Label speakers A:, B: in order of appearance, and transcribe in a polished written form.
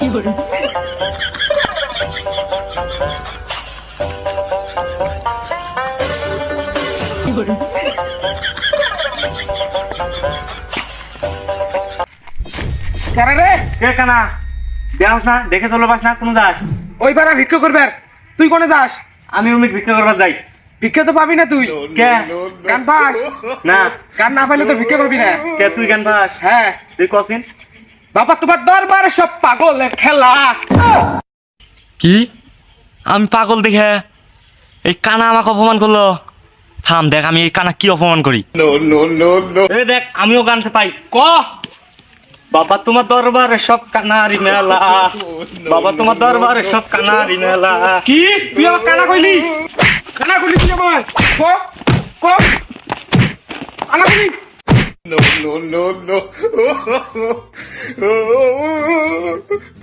A: কে কানা দেখাস না, দেখে চলো পাস না কোন যাস?
B: ওই পাড়া ভিক্ষা করবে। তুই কোনে যাস?
A: আমি অনেক ভিক্ষা করবার যাই।
B: ভিক্ষা তো পাবি না তুই।
A: কে
B: গান পাস
A: না?
B: গান না পাইলে তো ভিক্ষা করবি না।
A: কে তুই গান পাস?
B: হ্যাঁ।
A: তুই কসিন
B: বাবা তোমার দরবারে সব পাগলের খেলা।
A: কি? আমি পাগল দেখে এই কানা আমাকে অপমান করলো। থাম দেখ আমি এই কানা কি অপমান করি। এই দেখ আমিও গানতে পাই।
B: ক
A: বাবা তোমার দরবারে সব কানারি মেলা, বাবা তোমার দরবারে সব কানারি মেলা।
B: কি তুই আমার কানা কইলি? কানা কইলি তুই আমার? ক ক কানা কইলি?
C: No.